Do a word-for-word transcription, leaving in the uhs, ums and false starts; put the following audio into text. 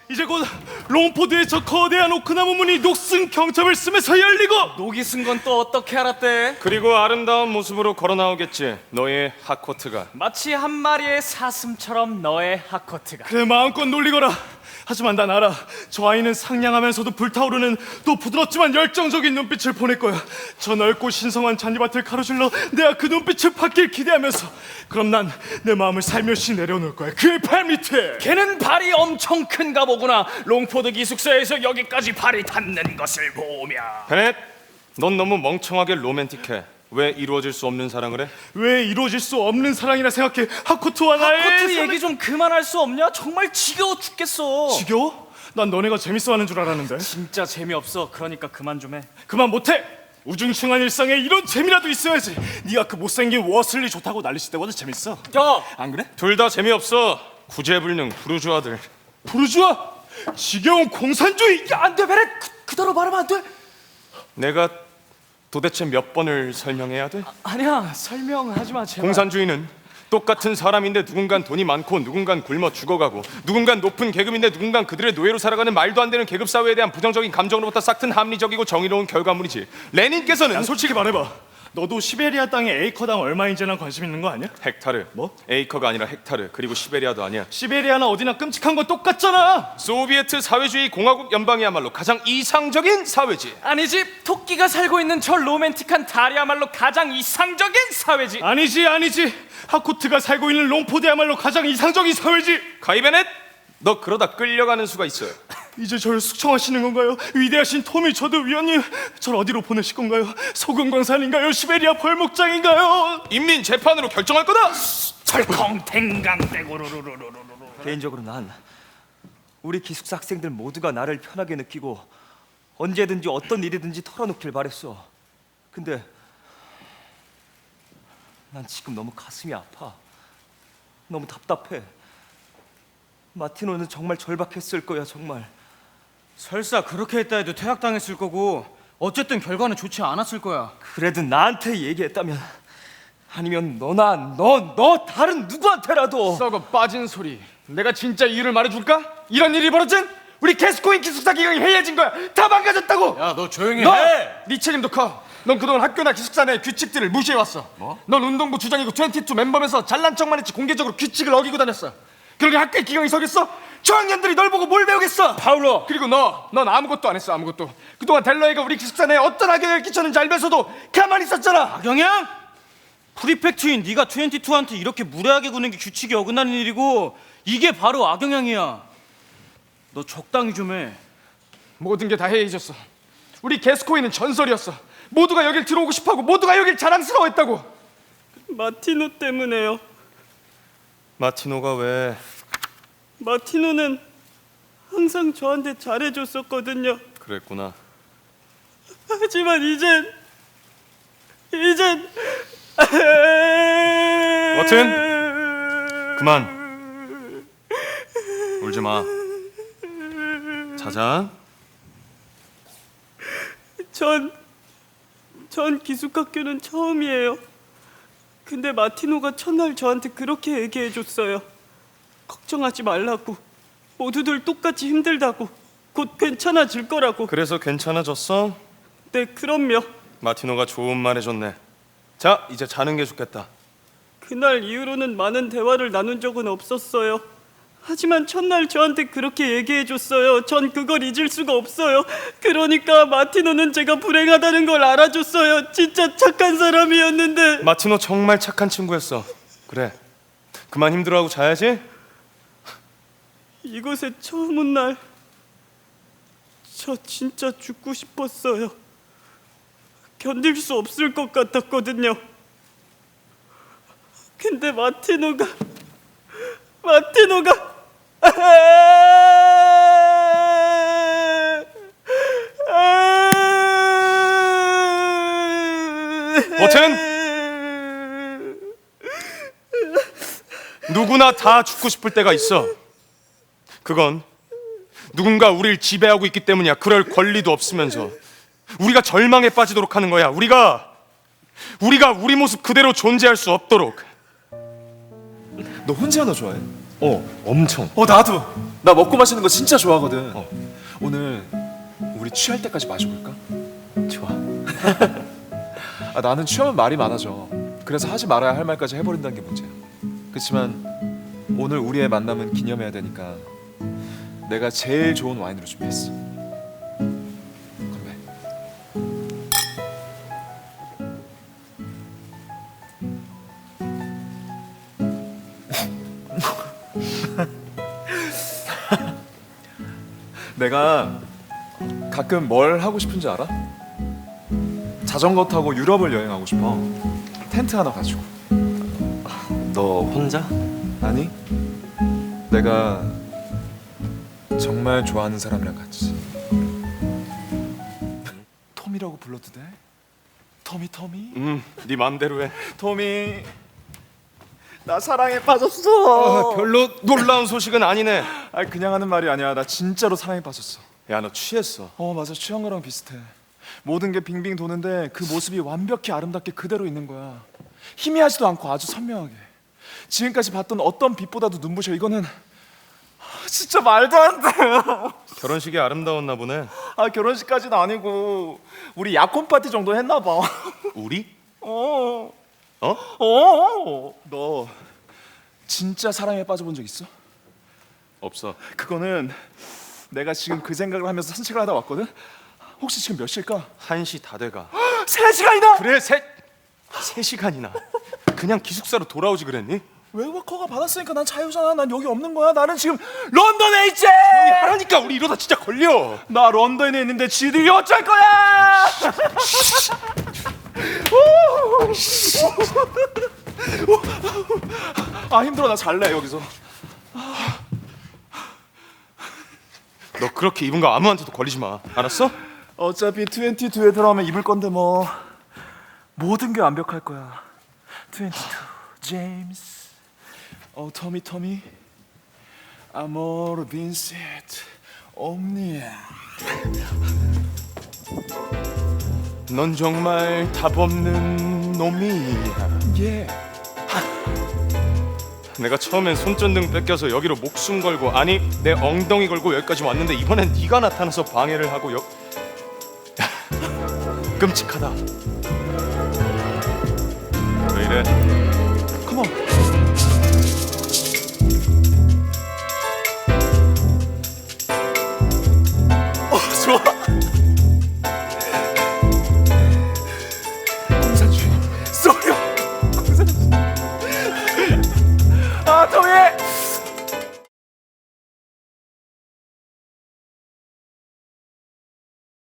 이제 곧 롱포드의 저 거대한 오크나무 문이 녹슨 경첩을 쓰면서 열리고 녹이 쓴 건 또 어떻게 알았대? 그리고 아름다운 모습으로 걸어 나오겠지. 너의 핫코트가. 마치 한 마리의 사슴처럼 너의 핫코트가. 그래 마음껏 놀리거라. 하지만 난 알아. 저 아이는 상냥하면서도 불타오르는 또 부드럽지만 열정적인 눈빛을 보낼 거야. 저 넓고 신성한 잔디밭을 가로질러 내가 그 눈빛을 받길 기대하면서 그럼 난 내 마음을 살며시 내려놓을 거야. 그의 발 밑에. 걔는 발이 엄청 큰가 보구나. 롱포드 기숙사에서 여기까지 발이 닿는 것을 보며. 베넷, 넌 너무 멍청하게 로맨틱해. 왜 이루어질 수 없는 사랑을 해? 왜 이루어질 수 없는 사랑이라 생각해? 하코트와 나의 핫코트 사랑- 얘기 좀 그만할 수 없냐? 정말 지겨워 죽겠어. 지겨워? 난 너네가 재밌어하는 줄 알았는데. 진짜 재미없어. 그러니까 그만 좀 해. 그만 못해. 우중충한 일상에 이런 재미라도 있어야지. 네가 그 못생긴 워슬리 좋다고 난리칠 때보다 재밌어. 야! 안 그래? 둘 다 재미없어. 구제불능 부르주아들. 부르주아? 지겨운 공산주의. 야, 안 돼, 베렛! 그, 그대로 말하면 안 돼. 내가 도대체 몇 번을 설명해야 돼? 아니야, 설명하지 마, 제발. 공산주의는 똑같은 사람인데 누군간 돈이 많고 누군간 굶어 죽어가고 누군간 높은 계급인데 누군간 그들의 노예로 살아가는 말도 안 되는 계급 사회에 대한 부정적인 감정으로부터 싹튼 합리적이고 정의로운 결과물이지. 레닌께서는 야, 솔직히 말해봐. 너도 시베리아 땅에 에이커당 얼마인지나 관심 있는 거 아니야? 헥타르. 뭐? 에이커가 아니라 헥타르. 그리고 시베리아도 아니야. 시베리아나 어디나 끔찍한 건 똑같잖아. 소비에트 사회주의 공화국 연방이야말로 가장 이상적인 사회지. 아니지, 토끼가 살고 있는 저 로맨틱한 달이야말로 가장 이상적인 사회지. 아니지 아니지. 하코트가 살고 있는 롱포드야말로 가장 이상적인 사회지. 카이베넷, 너 그러다 끌려가는 수가 있어요. 이제 저를 숙청하시는 건가요? 위대하신 토미 저도 위원님, 절 어디로 보내실 건가요? 소금광산인가요? 시베리아 벌목장인가요? 인민 재판으로 결정할 거다. 철컹탱강떼고루루루루루루. 개인적으로 난 우리 기숙사 학생들 모두가 나를 편하게 느끼고 언제든지 어떤 일이든지 털어놓길 바랬어. 근데 난 지금 너무 가슴이 아파. 너무 답답해. 마티노는 정말 절박했을 거야, 정말. 설사 그렇게 했다 해도 퇴학당했을 거고 어쨌든 결과는 좋지 않았을 거야. 그래도 나한테 얘기했다면, 아니면 너나 너 너 다른 누구한테라도. 썩어 빠진 소리. 내가 진짜 이유를 말해줄까? 이런 일이 벌어진 우리 게스코인 기숙사 기강이 해이해진 거야. 다 망가졌다고. 야, 너 조용히 너! 해. 네 책임도 커. 넌 그동안 학교나 기숙사 내 규칙들을 무시해왔어. 뭐? 넌 운동부 주장이고 이십이 멤버면서 잘난 척만 했지 공개적으로 규칙을 어기고 다녔어. 그러게 학교에 기강이 서겠어? 저학년들이 널 보고 뭘 배우겠어? 파울로. 그리고 너, 넌 아무것도 안 했어. 아무것도. 그동안 델러이가 우리 기숙사 내에 어떤 악영향을 끼쳤는지 알면서도 가만히 있었잖아. 악영향? 프리팩트인 네가 이십이한테 이렇게 무례하게 구는 게 규칙이 어긋나는 일이고 이게 바로 악영향이야. 너 적당히 좀 해. 모든 게 다 해이해졌어. 우리 게스코인은 전설이었어. 모두가 여길 들어오고 싶어하고 모두가 여길 자랑스러워했다고. 마티노 때문에요. 마티노가 왜? 마티노는 항상 저한테 잘해줬었거든요. 그랬구나. 하지만 이젠 이젠 여튼 그만. 울지 마. 자자. 전, 전 기숙학교는 처음이에요. 근데 마티노가 첫날 저한테 그렇게 얘기해줬어요. 걱정하지 말라고. 모두들 똑같이 힘들다고. 곧 괜찮아질 거라고. 그래서 괜찮아졌어? 네, 그럼요. 마티노가 좋은 말 해줬네. 자, 이제 자는 게 좋겠다. 그날 이후로는 많은 대화를 나눈 적은 없었어요. 하지만 첫날 저한테 그렇게 얘기해줬어요. 전 그걸 잊을 수가 없어요. 그러니까 마티노는 제가 불행하다는 걸 알아줬어요. 진짜 착한 사람이었는데. 마티노 정말 착한 친구였어. 그래. 그만 힘들어하고 자야지. 이곳에 처음 온 날, 저 진짜 죽고 싶었어요. 견딜 수 없을 것 같았거든요. 근데 마티노가, 마티노가 여튼 누구나 다 죽고 싶을 때가 있어. 그건 누군가 우리를 지배하고 있기 때문이야. 그럴 권리도 없으면서 우리가 절망에 빠지도록 하는 거야. 우리가 우리가 우리 모습 그대로 존재할 수 없도록. 너 혼자 너 좋아해? 어. 엄청. 어 나도. 나 먹고 마시는 거 진짜 좋아하거든. 어. 오늘 우리 취할 때까지 마셔볼까? 좋아. 아, 나는 취하면 말이 많아져. 그래서 하지 말아야 할 말까지 해버린다는 게 문제야. 그렇지만 오늘 우리의 만남은 기념해야 되니까 내가 제일 좋은 와인으로 준비했어. 건배. 내가 가끔 뭘 하고 싶은지 알아? 자전거 타고 유럽을 여행하고 싶어. 텐트 하나 가지고. 너 혼자? 아니, 내가 정말 좋아하는 사람이랑 같이. 톰이라고 불러도 돼? 토미 토미? 음, 네 맘대로 해. 토미, 나 사랑에 빠졌어. 아, 별로 놀라운 소식은 아니네. 아, 그냥 하는 말이 아니야. 나 진짜로 사랑에 빠졌어. 야, 너 취했어. 어, 맞아. 취한 거랑 비슷해. 모든 게 빙빙 도는데 그 모습이 완벽히 아름답게 그대로 있는 거야. 희미하지도 않고 아주 선명하게. 지금까지 봤던 어떤 빛보다도 눈부셔. 이거는 아, 진짜 말도 안 돼. 결혼식이 아름다웠나 보네. 아, 결혼식까지는 아니고 우리 약혼 파티 정도 했나 봐. 우리? 어. 어? 어. 너 진짜 사랑에 빠져본 적 있어? 없어. 그거는 내가 지금 그 생각을 하면서 산책을 하다 왔거든. 혹시 지금 몇 시일까? 한 시 다 돼가. 세 시간이나? 그래, 세, 세 시간이나. 그냥 기숙사로 돌아오지 그랬니? 외국어가 받았으니까 난 자유잖아. 난 여기 없는 거야. 나는 지금 런던에 있지. 하라니까 우리 이러다 진짜 걸려. 나 런던에 있는데 지들이 어쩔 거야? 아, 힘들어. 나 잘래 여기서. 너 그렇게 입은 거 아무한테도 걸리지 마. 알았어? 어차피 이십이에 들어가면 입을 건데 뭐 모든 게 완벽할 거야. 이십이 제임스. 어, 토미 토미. 아모르 빈센트. 옴니아. 넌 정말 답 없는 놈이야. 예. 내가 처음엔 손전등 뺏겨서 여기로 목숨 걸고, 아니 내 엉덩이 걸고 여기까지 왔는데 이번엔 네가 나타나서 방해를 하고 여... 끔찍하다. 왜 이래? 컴온.